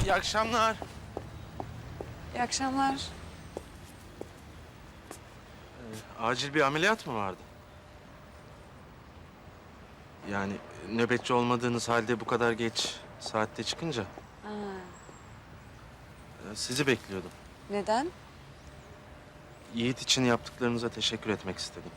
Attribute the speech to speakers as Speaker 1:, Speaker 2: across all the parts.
Speaker 1: İyi akşamlar.
Speaker 2: İyi akşamlar.
Speaker 1: Acil bir ameliyat mı vardı? Yani nöbetçi olmadığınız halde bu kadar geç saatte çıkınca
Speaker 2: Ha,
Speaker 1: sizi bekliyordum.
Speaker 2: neden?
Speaker 1: Yiğit için yaptıklarınıza teşekkür etmek istedim.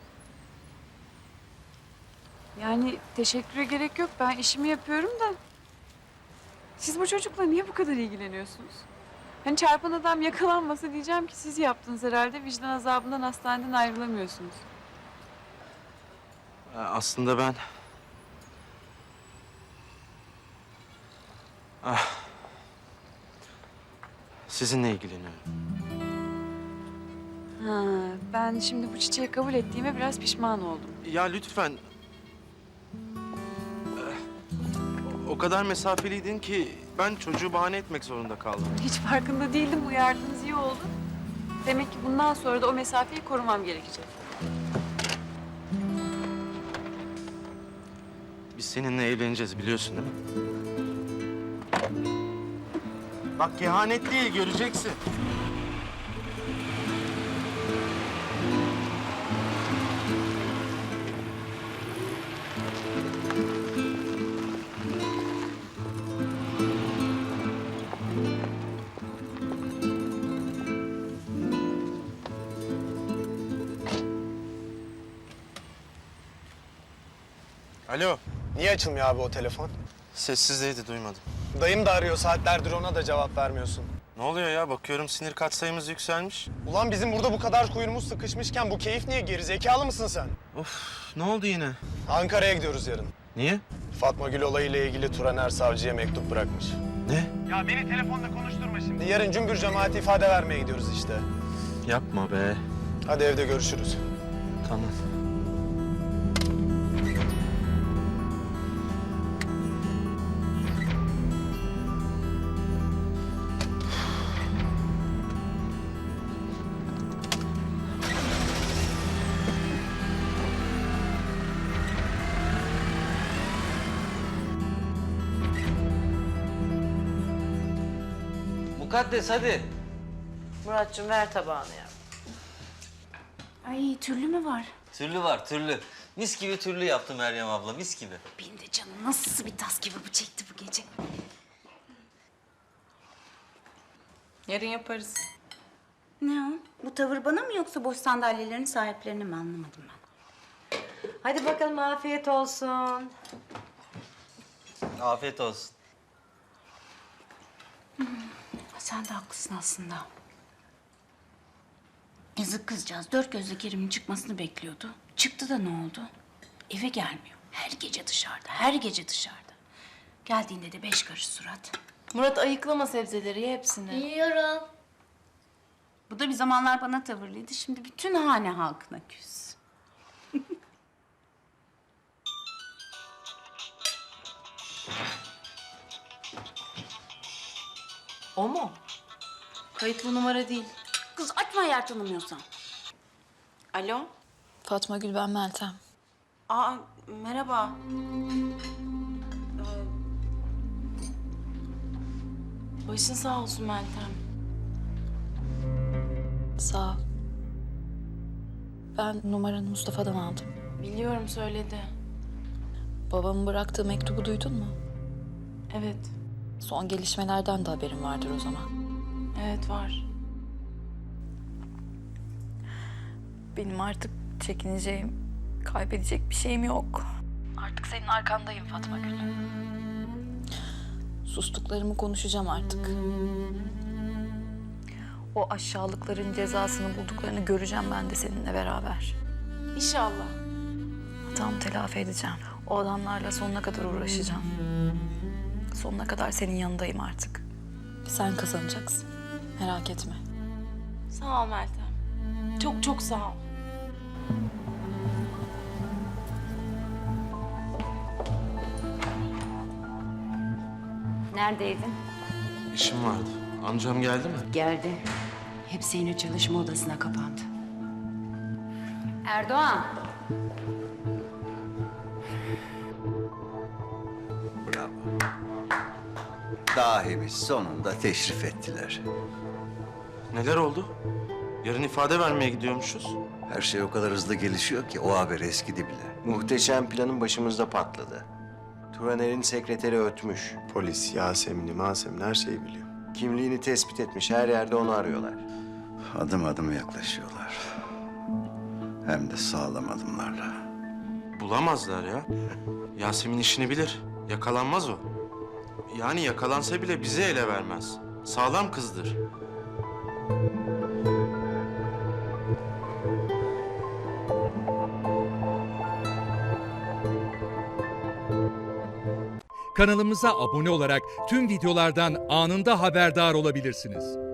Speaker 2: Yani teşekküre gerek yok. Ben işimi yapıyorum da. Siz bu çocukla niye bu kadar ilgileniyorsunuz? Hani çarpan adam yakalanmasa diyeceğim ki siz yaptınız herhalde. Vicdan azabından hastaneden ayrılamıyorsunuz.
Speaker 1: Aslında ben... Sizinle ilgileniyorum.
Speaker 2: Ha, ben şimdi bu çiçeği kabul ettiğime biraz pişman oldum.
Speaker 1: Ya lütfen... O kadar mesafeliydin ki ben çocuğu bahane etmek zorunda kaldım.
Speaker 2: Hiç farkında değildim. Uyardınız iyi oldu. Demek ki bundan sonra da o mesafeyi korumam gerekecek.
Speaker 1: Biz seninle evleneceğiz biliyorsun değil mi? Bak kehanet değil, göreceksin. Alo,
Speaker 3: Niye açılmıyor abi o telefon?
Speaker 1: sessizdeydi, duymadım.
Speaker 3: Dayım da arıyor, saatlerdir ona da cevap vermiyorsun.
Speaker 1: Ne oluyor ya? Bakıyorum sinir katsayımız yükselmiş.
Speaker 3: Ulan bizim burada bu kadar kuyruğumuz sıkışmışken bu keyif niye? Geri zekalı mısın sen?
Speaker 1: Of, ne oldu yine?
Speaker 3: Ankara'ya gidiyoruz yarın.
Speaker 1: Niye?
Speaker 3: Fatma Gül olayıyla ilgili Turaner savcıya mektup bırakmış.
Speaker 1: Ne?
Speaker 3: Ya beni telefonla konuşturma şimdi. Yarın cümbür cemaati ifade vermeye gidiyoruz işte.
Speaker 1: Yapma be.
Speaker 3: Hadi evde görüşürüz.
Speaker 1: Tamam.
Speaker 4: Mukaddes hadi. Muratcığım ver tabağını ya.
Speaker 5: Ay türlü mü var?
Speaker 4: Türlü var türlü. Mis gibi türlü yaptı Meryem abla mis gibi.
Speaker 5: Benim de canım nasıl bir tas gibi bu çekti bu gece.
Speaker 2: Yarın yaparız.
Speaker 5: Ne o? Bu tavır bana mı yoksa boş sandalyelerin sahiplerine mi anlamadım ben.
Speaker 6: Hadi bakalım afiyet olsun.
Speaker 4: Afiyet olsun.
Speaker 5: Sen de haklısın aslında. Yazık kızcağız dört gözle Kerim'in çıkmasını bekliyordu. Çıktı da ne oldu? Eve gelmiyor. Her gece dışarıda, her gece dışarıda. Geldiğinde de 5 karış surat.
Speaker 7: Murat ayıklama sebzeleri, ye hepsini.
Speaker 6: Yiyorum.
Speaker 5: Bu da bir zamanlar bana tavırlıydı. Şimdi bütün hane halkına küs.
Speaker 7: O mu? Kayıtlı numara değil.
Speaker 5: Kız açma eğer tanımıyorsan. Alo?
Speaker 8: Fatma Gül, ben Meltem.
Speaker 5: Aa, merhaba.
Speaker 7: Başın sağ olsun Meltem.
Speaker 8: Sağ ol. Ben numaranı Mustafa'dan aldım.
Speaker 7: Biliyorum söyledi.
Speaker 8: Babamın bıraktığı mektubu duydun mu?
Speaker 7: Evet,
Speaker 8: Son gelişmelerden de haberin vardır o zaman.
Speaker 7: evet var.
Speaker 8: Benim artık çekineceğim, kaybedecek bir şeyim yok. Artık senin arkandayım Fatma Gül. Sustuklarımı konuşacağım artık. O aşağılıkların cezasını bulduklarını göreceğim ben de seninle beraber.
Speaker 7: İnşallah.
Speaker 8: Hatamı telafi edeceğim. O adamlarla sonuna kadar uğraşacağım. Sonuna kadar senin yanındayım artık. Sen kazanacaksın. Merak etme.
Speaker 7: Sağ ol Meltem. Çok çok sağ ol.
Speaker 6: Neredeydin?
Speaker 1: İşim vardı. Amcam geldi mi?
Speaker 6: Geldi. Hepsi yine çalışma odasına kapandı. Erdoğan.
Speaker 1: Bravo.
Speaker 9: Dahimiz sonunda teşrif ettiler.
Speaker 1: Neler oldu? Yarın ifade vermeye gidiyormuşuz.
Speaker 9: Her şey o kadar hızlı gelişiyor ki o haber eskidi bile. Muhteşem planın başımızda patladı. Turaner'in sekreteri ötmüş.
Speaker 3: Polis Yasemin'i her şeyi biliyor.
Speaker 9: Kimliğini tespit etmiş. Her yerde onu arıyorlar. Adım adım yaklaşıyorlar. Hem de sağlam adımlarla.
Speaker 1: Bulamazlar ya. Yasemin işini bilir. Yakalanmaz o. Yani yakalansa bile bizi ele vermez. Sağlam kızdır.
Speaker 10: Kanalımıza abone olarak tüm videolardan anında haberdar olabilirsiniz.